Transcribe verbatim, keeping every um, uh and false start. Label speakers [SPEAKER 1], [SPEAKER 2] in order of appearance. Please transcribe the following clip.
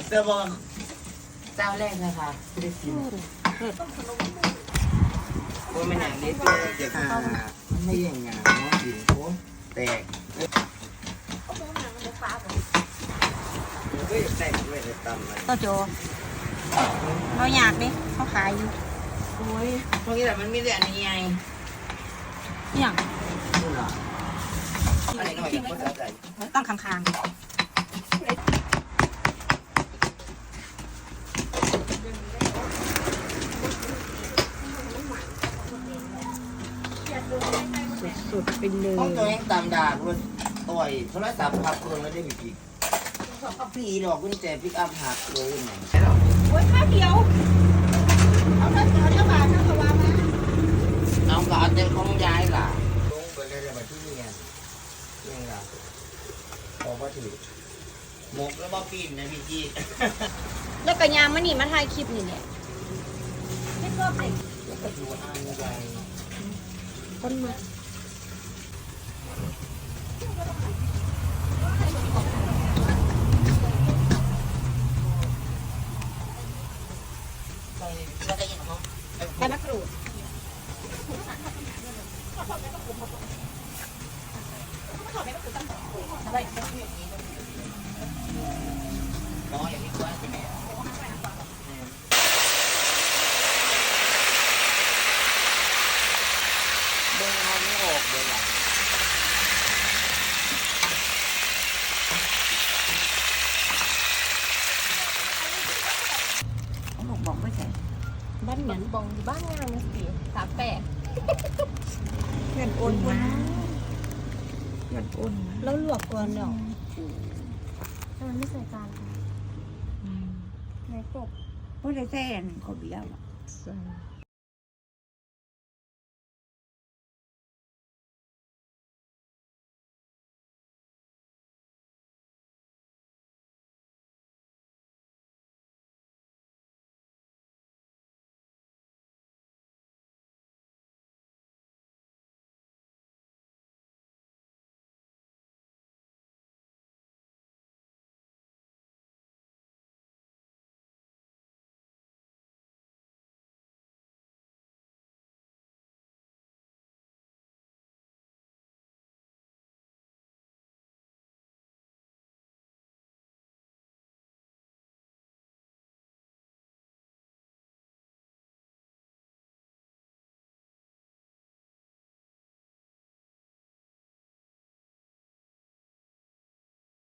[SPEAKER 1] เสื้อบอลเจ้าแรกนะคะไม่ได้กินว่าไม่หนังนิดเลยจะขาไม่อย่างงานเนาะดินโค้งแตกก็อยากแตกด้วยเลยตำมัน
[SPEAKER 2] โตโจเราอยากดิเขาขายอยู่
[SPEAKER 1] โอ้ยตรงนี้แหละมันมีแต่อันนี้ไง
[SPEAKER 2] อย่าง
[SPEAKER 1] นี่เหรออันนี้หน่อยก็จะใจ
[SPEAKER 2] ตั้งข้างๆสุดๆไปเลย
[SPEAKER 1] ห้องตัวเองตามด่ากูต่อยโทรศัพท์พับเครื่องแล้วได้บีบีพี่ดอกกุญแจพิกอัพหักเลยไหน
[SPEAKER 2] โอ้ยข้าวเดียวเอาเงินเอาเจ้าบาทเจ้าสวามา
[SPEAKER 1] น้องก็เอาเต็มของย้ายล่ะลงไปเลยเลยมาที่เรียนเรื่องราวพอว่าถือหมกแล้วบ่ปีนนะพี่จี
[SPEAKER 2] แล้วก็ยามมันนี่มาถ่ายคลิปนี่เนี่ยไม่ชอบเด็ก
[SPEAKER 1] แล้วก็ดูอ่านใหญ่
[SPEAKER 2] คนมา
[SPEAKER 1] แล้วก็ยินของ
[SPEAKER 2] ใบมะกรูด
[SPEAKER 1] น้อยอย่างนี้ก็ใช่ไหมเดินเอาไม่ออกเลยล่ะ
[SPEAKER 2] บอกบอกไม่ใช่
[SPEAKER 3] บ้านเหมือนบองอยู่บ้านงานนะสิสามแปด
[SPEAKER 2] เงินโอนมาเงินโอนแล้วลวกก่อนเนาะ
[SPEAKER 3] ทำไมไม่ใส่จานคะในกบ
[SPEAKER 4] ไม่ได้แซ่นเขาเบี้ยว
[SPEAKER 2] ใส่